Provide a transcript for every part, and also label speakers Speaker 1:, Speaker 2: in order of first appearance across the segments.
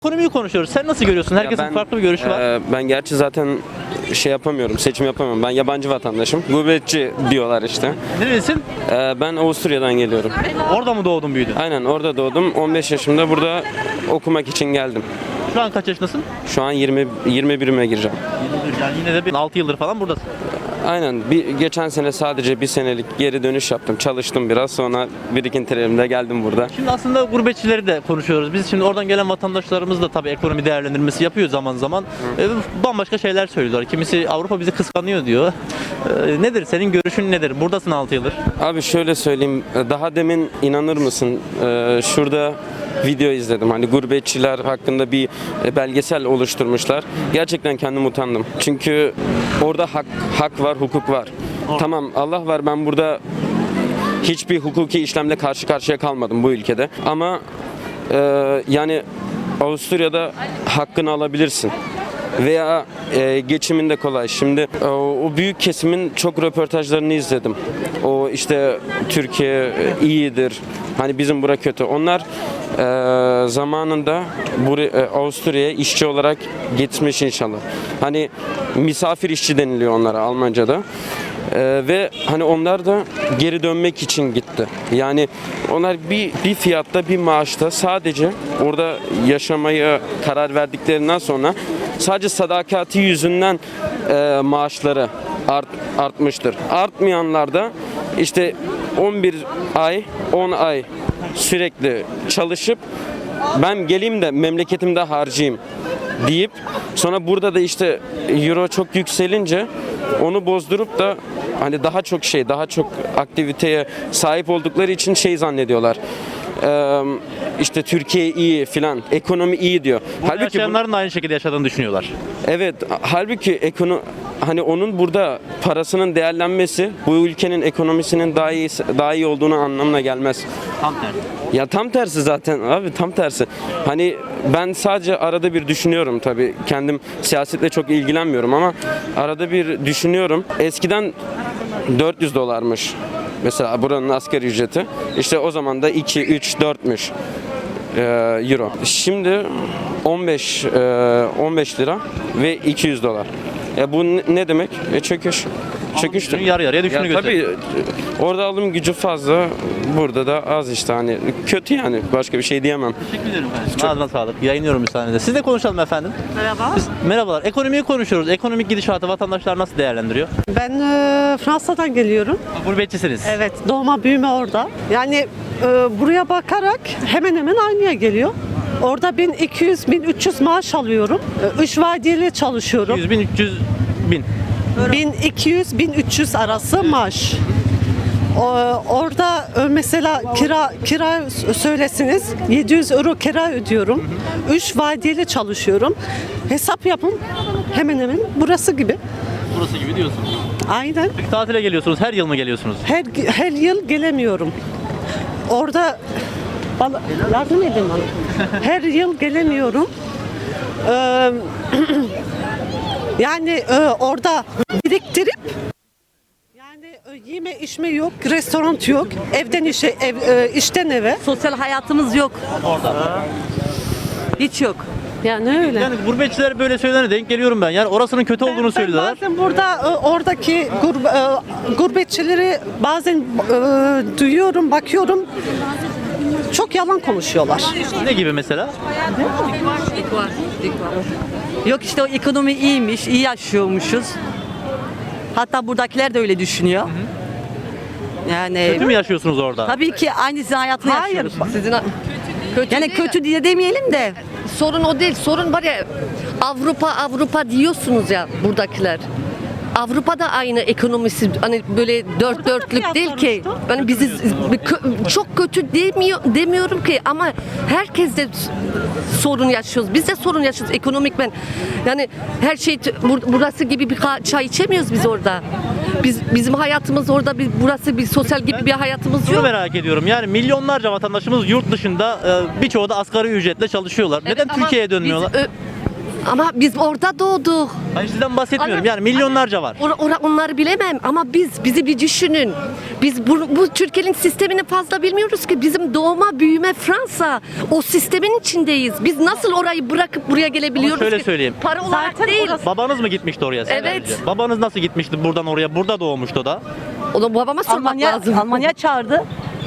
Speaker 1: Ekonomiyi konuşuyoruz. Sen nasıl görüyorsun? Herkesin farklı bir görüşü var.
Speaker 2: Ben gerçi zaten şey yapamıyorum, seçim yapamıyorum. Ben yabancı vatandaşım. Gurbetçi diyorlar işte.
Speaker 1: Nerelisin?
Speaker 2: Ben Avusturya'dan geliyorum.
Speaker 1: Orada mı doğdun, büyüdün?
Speaker 2: Aynen orada doğdum. 15 yaşımda burada okumak için geldim.
Speaker 1: Şu an kaç yaşındasın?
Speaker 2: Şu an 21'ime gireceğim.
Speaker 1: 21. Yani yine de 6 yıldır falan buradasın.
Speaker 2: Aynen. Geçen sene sadece bir senelik geri dönüş yaptım. Çalıştım biraz. Sonra birikintilerimle geldim burada.
Speaker 1: Şimdi aslında gurbetçileri de konuşuyoruz. Biz şimdi oradan gelen vatandaşlarımız da tabii ekonomi değerlendirmesi yapıyor zaman zaman. Bambaşka şeyler söylüyorlar. Kimisi Avrupa bizi kıskanıyor diyor. Nedir? Senin görüşün nedir? Buradasın 6 yıldır.
Speaker 2: Abi şöyle söyleyeyim. Daha demin inanır mısın? Şurada video izledim. Hani gurbetçiler hakkında bir belgesel oluşturmuşlar. Gerçekten kendim utandım. Çünkü orada hak var, hukuk var. Tamam, Allah var, ben burada hiçbir hukuki işlemle karşı karşıya kalmadım bu ülkede. Ama yani Avusturya'da hakkını alabilirsin. Veya geçimin de kolay. Şimdi o büyük kesimin çok röportajlarını izledim. O işte Türkiye iyidir, hani bizim bura kötü. Onlar zamanında Avusturya'ya işçi olarak gitmiş inşallah. Hani misafir işçi deniliyor onlara Almanca'da. Ve hani onlar da geri dönmek için gitti. Yani onlar bir fiyatta, bir maaşta sadece orada yaşamaya karar verdiklerinden sonra sadece sadakati yüzünden maaşları artmıştır. Artmayanlar da işte 11 ay, 10 ay sürekli çalışıp ben geleyim de memleketimde harcayayım deyip sonra burada da işte euro çok yükselince onu bozdurup da hani daha çok aktiviteye sahip oldukları için şey zannediyorlar. İşte Türkiye iyi filan, ekonomi iyi diyor.
Speaker 1: Halbuki yaşayanların da aynı şekilde yaşadığını düşünüyorlar.
Speaker 2: Evet, halbuki hani onun burada parasının değerlenmesi bu ülkenin ekonomisinin daha iyi olduğunu anlamına gelmez.
Speaker 1: Tam tersi.
Speaker 2: Ya tam tersi zaten abi, tam tersi. Hani ben sadece arada bir düşünüyorum, tabii kendim siyasetle çok ilgilenmiyorum ama arada bir düşünüyorum. Eskiden 400 dolarmış mesela buranın asgari ücreti. İşte o zaman da 2, 3, 4'müş euro. Şimdi 15 lira ve 200 dolar. Bu ne demek? Çöküş. Çöküştür.
Speaker 1: Yarı yarıya düştüğünü gösteriyor.
Speaker 2: Tabii orada alım gücü fazla, burada da az işte, hani kötü yani, başka bir şey diyemem.
Speaker 1: Teşekkür ederim efendim. Ağzına sağlık. Yayınlıyorum müsaadenizle. Siz de konuşalım efendim.
Speaker 3: Merhaba.
Speaker 1: Merhabalar. Ekonomiyi konuşuyoruz. Ekonomik gidişatı vatandaşlar nasıl değerlendiriyor?
Speaker 3: Ben Fransa'dan geliyorum.
Speaker 1: Gurbetçisiniz.
Speaker 3: Evet, doğma büyüme orada. Yani buraya bakarak hemen hemen aynıya geliyor. Orada 1200-1300 maaş alıyorum. 3 vadeli çalışıyorum.
Speaker 1: 100 bin, 300 bin.
Speaker 3: 1200-1300 arası maaş. Orada mesela kira söylesiniz, 700 euro kira ödüyorum. 3 vadeli çalışıyorum. Hesap yapın, hemen hemen burası gibi.
Speaker 1: Burası gibi diyorsunuz.
Speaker 3: Aynen.
Speaker 1: Peki tatile geliyorsunuz. Her yıl mı geliyorsunuz?
Speaker 3: Her yıl gelemiyorum. Orada yardım edin bana. Her yıl gelemiyorum. Yani orada biriktirip yani yeme içme yok, restoran yok, evden işe, işten eve.
Speaker 4: Sosyal hayatımız yok.
Speaker 1: Orada.
Speaker 3: Hiç yok. Yani öyle.
Speaker 1: Yani gurbetçiler böyle söylerine denk geliyorum ben. Yani orasının kötü olduğunu söylüyorlar.
Speaker 3: Bazen burada oradaki gurbetçileri bazen duyuyorum, bakıyorum. Çok yalan konuşuyorlar.
Speaker 1: Ne gibi mesela?
Speaker 4: Yok işte o ekonomi iyiymiş, iyi yaşıyormuşuz. Hatta buradakiler de öyle düşünüyor. Yani
Speaker 1: Kötü mü yaşıyorsunuz orada?
Speaker 4: tabii ki aynı sizin hayatını
Speaker 3: Hayır.
Speaker 4: yaşıyoruz.
Speaker 5: Sizin kötü
Speaker 4: Yani
Speaker 5: değil.
Speaker 4: kötü diye demeyelim de.
Speaker 5: Sorun o değil. Sorun var ya, Avrupa diyorsunuz ya buradakiler. Avrupa'da aynı ekonomisi, hani böyle dört dörtlük değil ki. Yani bizi çok kötü demiyorum ki, ama herkes de sorun yaşıyoruz. Biz de sorun yaşıyoruz ekonomik ben. Yani her şey burası gibi bir çay içemiyoruz biz orada. Bizim hayatımız orada, burası bir sosyal gibi bir hayatımız
Speaker 1: Şunu
Speaker 5: yok.
Speaker 1: merak ediyorum. Yani milyonlarca vatandaşımız yurt dışında, birçoğu da asgari ücretle çalışıyorlar.
Speaker 5: Evet,
Speaker 1: Neden
Speaker 5: ama
Speaker 1: Türkiye'ye dönmüyorlar?
Speaker 5: Ama biz orada doğduk.
Speaker 1: Hayır, sizden bahsetmiyorum. Yani milyonlarca var.
Speaker 5: Onları bilemem ama bizi bir düşünün. Biz bu Türkiye'nin sistemini fazla bilmiyoruz ki. Bizim doğma büyüme Fransa. O sistemin içindeyiz. Biz nasıl orayı bırakıp buraya gelebiliyoruz
Speaker 1: Ama şöyle
Speaker 5: ki?
Speaker 1: söyleyeyim.
Speaker 5: Para olarak değil.
Speaker 1: Babanız mı gitmişti oraya?
Speaker 5: Evet.
Speaker 1: Önce? Babanız nasıl gitmişti buradan oraya? Burada doğmuştu o da.
Speaker 5: Onu babama sormak lazım.
Speaker 4: Almanya çağırdı.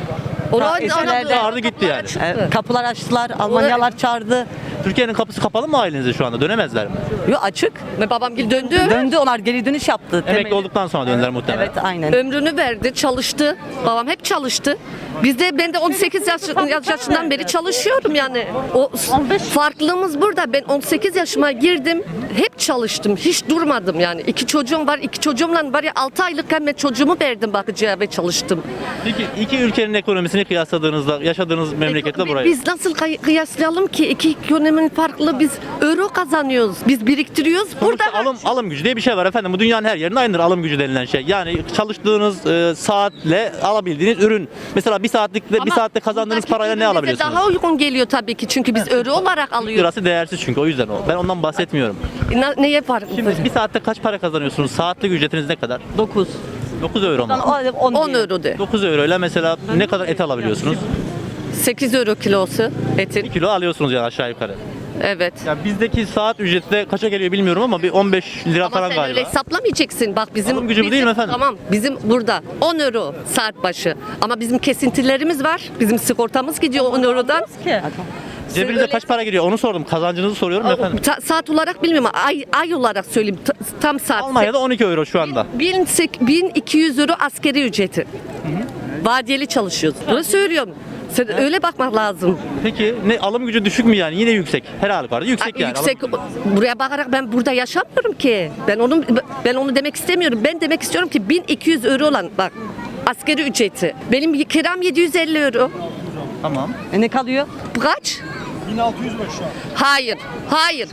Speaker 1: Çağırdı gitti yani.
Speaker 4: Kapılar açtılar. Almanyalar çağırdı.
Speaker 1: Türkiye'nin kapısı kapalı mı ailenize şu anda? Dönemezler mi?
Speaker 4: Yo, açık.
Speaker 5: Ve babam döndü.
Speaker 4: Döndü, onlar geri dönüş yaptı.
Speaker 1: Emekli olduktan sonra döndüler muhtemelen.
Speaker 4: Evet, aynen.
Speaker 5: Ömrünü verdi, çalıştı. Babam hep çalıştı. Ben de 18 yaşından beri çalışıyorum yani. O farklılığımız burada. Ben 18 yaşıma girdim. Hep çalıştım. Hiç durmadım yani. 2 çocuğum var. 2 çocuğumla var ya 6 aylıkken ben çocuğumu verdim bakıcıya ve çalıştım.
Speaker 1: Peki iki ülkenin ekonomisini kıyasladığınızda yaşadığınız memleketle burayı.
Speaker 5: Biz nasıl kıyaslayalım ki? İki ekonominin farklı. Biz euro kazanıyoruz. Biz biriktiriyoruz. Burada
Speaker 1: Sonuçta alım gücü diye bir şey var efendim. Bu dünyanın her yerinde aynıdır alım gücü denilen şey. Yani çalıştığınız saatle alabildiğiniz ürün. Mesela bir saatte kazandığınız
Speaker 5: buradaki
Speaker 1: parayla ne
Speaker 5: ürün bize
Speaker 1: alabiliyorsunuz?
Speaker 5: daha uygun geliyor tabii ki. Çünkü biz euro olarak
Speaker 1: Türk
Speaker 5: alıyoruz.
Speaker 1: lirası değersiz çünkü o yüzden o. Ben ondan bahsetmiyorum.
Speaker 5: Neye farklı?
Speaker 1: Şimdi bir saatte kaç para kazanıyorsunuz? Saatlik ücretiniz ne kadar?
Speaker 4: 9.
Speaker 1: 9 euro mu?
Speaker 5: 10 euro de.
Speaker 1: 9 euro ile mesela ne kadar et alabiliyorsunuz?
Speaker 5: 8 euro kilosu etin.
Speaker 1: 1 kilo alıyorsunuz yani aşağı yukarı.
Speaker 5: Evet.
Speaker 1: Ya bizdeki saat ücreti de kaça geliyor bilmiyorum ama bir 15 lira
Speaker 5: Ama
Speaker 1: falan
Speaker 5: sen
Speaker 1: galiba.
Speaker 5: öyle hesaplamayacaksın. Bak bizim
Speaker 1: Alım gücü bu değil mi efendim?
Speaker 5: Tamam. Bizim burada 10 euro saat başı. Ama bizim kesintilerimiz var. Bizim sigortamız gidiyor 10 eurodan.
Speaker 1: Cebinize
Speaker 5: öyle-
Speaker 1: kaç para giriyor onu sordum. Kazancınızı soruyorum efendim.
Speaker 5: Saat olarak bilmiyorum ama ay olarak söyleyeyim. Tam saat.
Speaker 1: Almanya'da 12 euro şu anda.
Speaker 5: 1200 euro askeri ücreti. Vadiyeli çalışıyoruz. Bunu söylüyorum. Sen öyle bakmak lazım.
Speaker 1: Peki ne alım gücü düşük mü yani? Yine yüksek. Her halükarda yüksek
Speaker 5: Ay,
Speaker 1: yani.
Speaker 5: yüksek. Buraya bakarak ben burada yaşamıyorum ki. Ben onu demek istemiyorum. Ben demek istiyorum ki 1200 euro olan bak askeri ücreti. Benim kiram 750 euro.
Speaker 1: Tamam.
Speaker 4: Ne kalıyor?
Speaker 5: Kaç? 1600 var şu an. Hayır.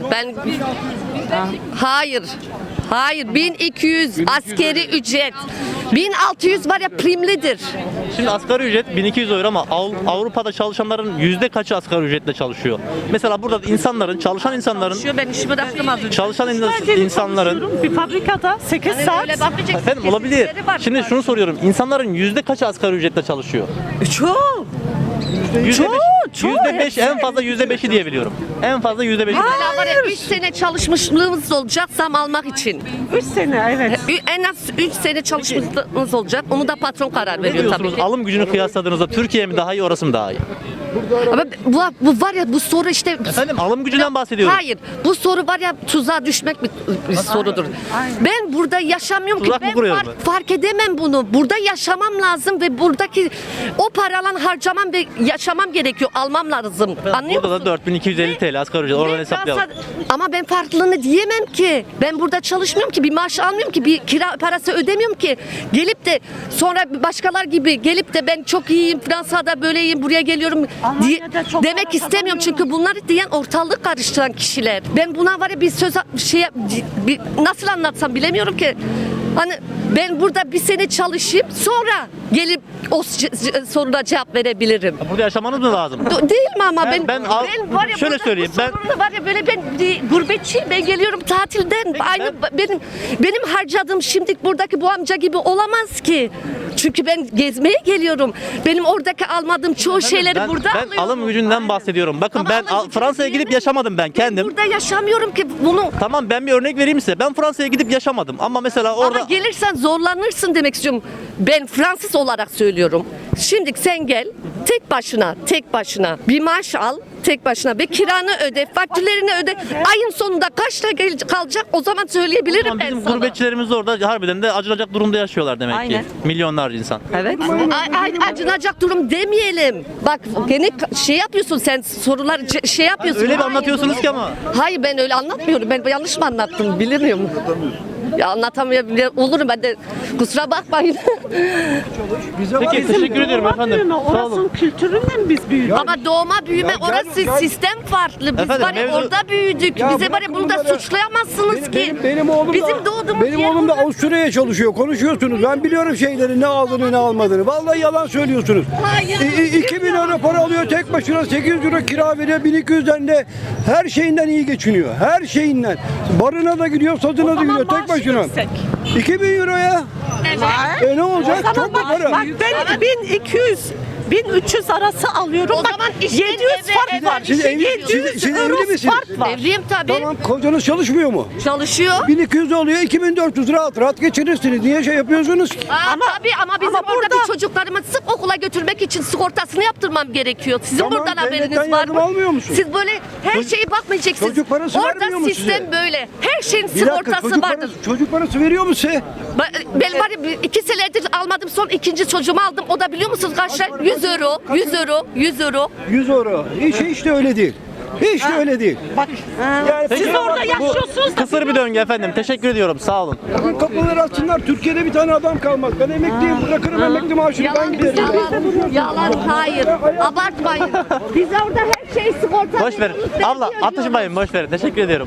Speaker 5: Hayır, 1200 askeri ücret. 1600 var ya primlidir.
Speaker 1: Şimdi asgari ücret 1200 euro ama Avrupa'da çalışanların yüzde kaçı asgari ücretle çalışıyor? Mesela burada çalışan insanların
Speaker 5: Ben işimi bıraktım az önce.
Speaker 1: çalışan insanların
Speaker 3: Bir fabrikada 8
Speaker 5: Hani
Speaker 3: saat.
Speaker 5: öyle bakmayacaksın.
Speaker 1: efendim olabilir.
Speaker 5: Kesintileri var.
Speaker 1: Şimdi şunu soruyorum. İnsanların yüzde kaçı asgari ücretle çalışıyor?
Speaker 4: Çok.
Speaker 1: %5 en fazla %5'i diye biliyorum. En fazla %5'i.
Speaker 5: Hala var ya 3 sene çalışmışlığımız olacak zam almak için.
Speaker 3: 3 sene evet.
Speaker 5: En az 3 sene çalışmışlığımız olacak. Onu da patron karar
Speaker 1: Ne
Speaker 5: veriyor tabii
Speaker 1: diyorsunuz?
Speaker 5: ki.
Speaker 1: Alım gücünü kıyasladığınızda Türkiye mi daha iyi, orası mı daha iyi?
Speaker 5: Ama bu var ya bu soru işte
Speaker 1: Efendim alım gücünden bahsediyorum.
Speaker 5: Hayır. Bu soru var ya tuzağa düşmek bir sorudur. Ben burada yaşamıyorum
Speaker 1: Tuzak
Speaker 5: ki.
Speaker 1: mı
Speaker 5: Ben
Speaker 1: kuruyorum
Speaker 5: fark edemem bunu. Burada yaşamam lazım ve buradaki o paralan harcamam ve yaşamam gerekiyor. Almam lazım. Anlıyor
Speaker 1: Burada
Speaker 5: musun?
Speaker 1: da 4250 TL asgari ücret. Oradan
Speaker 5: Ve
Speaker 1: hesaplayalım.
Speaker 5: Ama ben farklılığını diyemem ki. Ben burada çalışmıyorum ki, bir maaş almıyorum ki, bir kira parası ödemiyorum ki. Gelip de sonra başkalar gibi gelip de ben çok iyiyim, Fransa'da böyleyim, buraya geliyorum
Speaker 3: Almanya'da çok
Speaker 5: demek
Speaker 3: para
Speaker 5: istemiyorum.
Speaker 3: kazanıyorum.
Speaker 5: Çünkü bunları diyen ortalık karıştıran kişiler. Ben buna var ya nasıl anlatsam bilemiyorum ki. Hani ben burada bir sene çalışayım sonra gelip o soruna cevap verebilirim.
Speaker 1: Burada yaşamanız mı lazım?
Speaker 5: Değil mi ama
Speaker 1: Ben
Speaker 5: var ya
Speaker 1: şöyle
Speaker 5: burada
Speaker 1: söyleyeyim,
Speaker 5: bu
Speaker 1: ben-
Speaker 5: sorunlu var ya böyle ben gurbetçiyim, ben geliyorum tatilden. Aynı benim harcadığım şimdi buradaki bu amca gibi olamaz ki. Çünkü ben gezmeye geliyorum. Benim oradaki almadığım çoğu şeyleri burada
Speaker 1: ben
Speaker 5: alıyorum.
Speaker 1: alım gücünden bahsediyorum. Bakın
Speaker 5: Ama
Speaker 1: ben
Speaker 5: alım gücünü
Speaker 1: Fransa'ya gidip
Speaker 5: diyemem.
Speaker 1: yaşamadım ben kendim.
Speaker 5: Burada yaşamıyorum ki bunu.
Speaker 1: Tamam ben bir örnek vereyim size. Ben Fransa'ya gidip yaşamadım ama mesela orada
Speaker 5: Ama gelirsen zorlanırsın demek istiyorum. Ben Fransız olarak söylüyorum. Şimdi sen gel tek başına bir maaş al tek başına ve kiranı öde, faktörlerini öde. Ayın sonunda kaçta kalacak o zaman söyleyebilirim
Speaker 1: Tamam,
Speaker 5: ben
Speaker 1: bizim
Speaker 5: sana.
Speaker 1: gurbetçilerimiz orada harbiden de acınacak durumda yaşıyorlar demek
Speaker 4: Aynen.
Speaker 1: ki. Milyonlarca insan.
Speaker 4: Evet.
Speaker 5: Acınacak durum demeyelim. Bak gene şey yapıyorsun sen sorular şey yapıyorsun.
Speaker 1: Öyle bir
Speaker 5: Hayır,
Speaker 1: anlatıyorsunuz
Speaker 5: bunu-
Speaker 1: ki ama.
Speaker 5: Hayır ben öyle anlatmıyorum. Ben yanlış mı anlattım bilmiyorum. Ya anlatamayabilirim. Olurum ben de. Kusura bakmayın.
Speaker 1: Peki teşekkür ediyorum efendim.
Speaker 3: Büyüme,
Speaker 1: Sağ
Speaker 3: orasının
Speaker 1: olun.
Speaker 3: kültürüyle mi biz büyüdük?
Speaker 5: Ama doğma büyüme orası sistem farklı. Biz
Speaker 1: Efendim,
Speaker 5: var ya
Speaker 1: mevzu-
Speaker 5: orada büyüdük.
Speaker 6: Ya
Speaker 5: Bize var ya
Speaker 6: bırakın
Speaker 5: bunu da
Speaker 6: bunları.
Speaker 5: suçlayamazsınız ki.
Speaker 6: Benim oğlum
Speaker 5: Bizim
Speaker 6: da,
Speaker 5: doğduğumuz
Speaker 6: benim
Speaker 5: yer
Speaker 6: oğlum da
Speaker 5: orada.
Speaker 6: Avusturya'ya çalışıyor. Konuşuyorsunuz. Ben biliyorum şeyleri, ne aldığını ne almadığını. Vallahi yalan söylüyorsunuz.
Speaker 5: Hayır.
Speaker 6: 2000 euro para alıyor tek başına, 800 euro kira veriyor, 1200'den de her şeyinden iyi geçiniyor. Her şeyinden. Barına da gidiyor, sazına da gidiyor tek başına. 2000 euro ya.
Speaker 5: Evet.
Speaker 6: Ne olacak?
Speaker 3: Tamam,
Speaker 6: Çok mu para?
Speaker 3: bak ben 1200 1300 arası alıyorum.
Speaker 5: O
Speaker 3: Bak,
Speaker 5: zaman işte
Speaker 3: 700 fark
Speaker 5: evet,
Speaker 3: var.
Speaker 6: Siz evli-
Speaker 3: 700
Speaker 6: siz evli
Speaker 3: euro
Speaker 6: misiniz?
Speaker 3: fark var.
Speaker 5: Evliyim tabii.
Speaker 6: Tamam, kocanız çalışmıyor mu?
Speaker 5: Çalışıyor.
Speaker 6: 1200 oluyor, 2400 rahat rahat geçirirsiniz. Niye şey yapıyorsunuz ki?
Speaker 5: Tabii ama bizim
Speaker 3: ama
Speaker 5: oradaki
Speaker 3: burada-
Speaker 5: çocuklarımı sırf okula götürmek için sigortasını yaptırmam gerekiyor. Sizin
Speaker 6: Tamam,
Speaker 5: buradan haberiniz
Speaker 6: devletten
Speaker 5: var
Speaker 6: yardım
Speaker 5: mı?
Speaker 6: almıyor musun?
Speaker 5: Siz böyle her şeyi bakmayacaksınız.
Speaker 6: Çocuk parası vermiyor
Speaker 5: Orada
Speaker 6: mu
Speaker 5: sistem
Speaker 6: size?
Speaker 5: böyle. Her şeyin
Speaker 6: Bir dakika,
Speaker 5: sigortası vardır.
Speaker 6: çocuk parası veriyor mu size?
Speaker 5: Ben var ya 2 senedir almadım, son ikinci çocuğumu aldım. O da biliyor musunuz kaç lira? 100 euro, 100 euro, 100 euro.
Speaker 6: 100 euro. Hiç de öyle değil. Hiç de öyle değil.
Speaker 3: Bak
Speaker 6: Yani
Speaker 3: siz orada yaşıyorsunuz da
Speaker 1: Kısır bir döngü efendim. Teşekkür ediyorum. Sağ olun.
Speaker 6: bakın kapıları açsınlar. Türkiye'de bir tane adam kalmaz. Ben emekliyim. Bırakırım emekli maaşını. Ben
Speaker 5: Yalan,
Speaker 6: giderim.
Speaker 5: yalan, hayır. Abartmayın. Biz orada her şey sigorta.
Speaker 1: Boş verin. Abla atışmayın, boş verin. Teşekkür ediyorum.